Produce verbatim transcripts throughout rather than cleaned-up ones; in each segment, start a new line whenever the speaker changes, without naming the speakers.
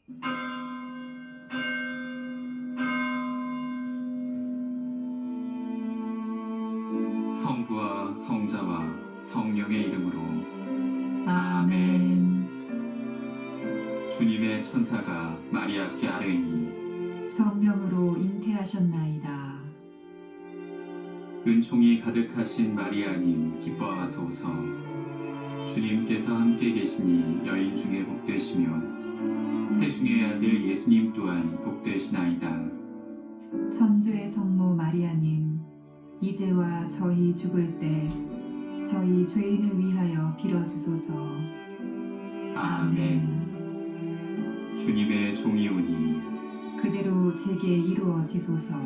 성부와 성자와 성령의 이름으로
아멘.
주님의 천사가 마리아께 아뢰니
성령으로 잉태하셨나이다.
은총이 가득하신 마리아님 기뻐하소서. 주님께서 함께 계시니 여인 중에 복되시며 태중의 아들 예수님 또한 복되시나이다.
천주의 성모 마리아님, 이제와 저희 죽을 때 저희 죄인을 위하여 빌어주소서. 아멘.
주님의 종이 오니
그대로 제게 이루어지소서.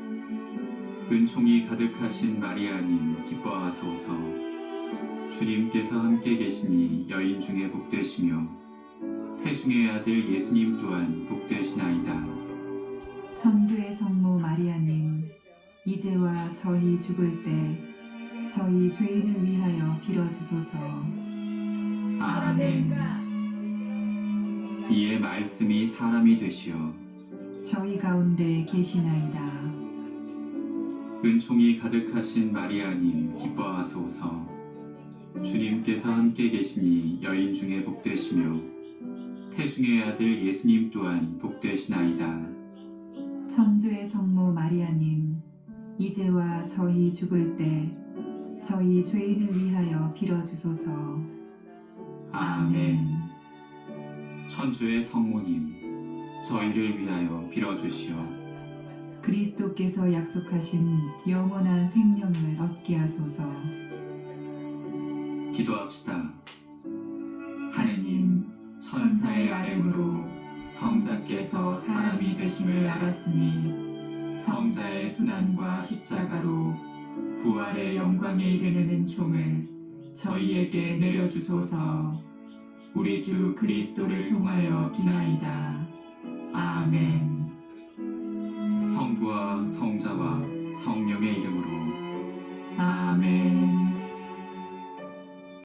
은총이 가득하신 마리아님 기뻐하소서. 주님께서 함께 계시니 여인 중에 복되시며 태중의 아들 예수님 또한 복되시나이다.
천주의 성모 마리아님, 이제와 저희 죽을 때 저희 죄인을 위하여 빌어주소서. 아멘.
이에 말씀이 사람이 되시어
저희 가운데 계시나이다.
은총이 가득하신 마리아님 기뻐하소서. 주님께서 함께 계시니 여인 중에 복되시며 태중의 아들 예수님 또한 복되시나이다.
천주의 성모 마리아님, 이제와 저희 죽을 때 저희 죄인을 위하여 빌어주소서. 아멘.
천주의 성모님, 저희를 위하여 빌어주시오.
그리스도께서 약속하신 영원한 생명을 얻게 하소서.
기도합시다. 하느님, 천사의 아뢰므로 성자께서 사람이 되심을 알았으니 성자의 순환과 십자가로 부활의 영광에 이르는 은총을 저희에게 내려주소서. 우리 주 그리스도를 통하여 비나이다. 아멘. 성부와 성자와 성령의 이름으로
아멘.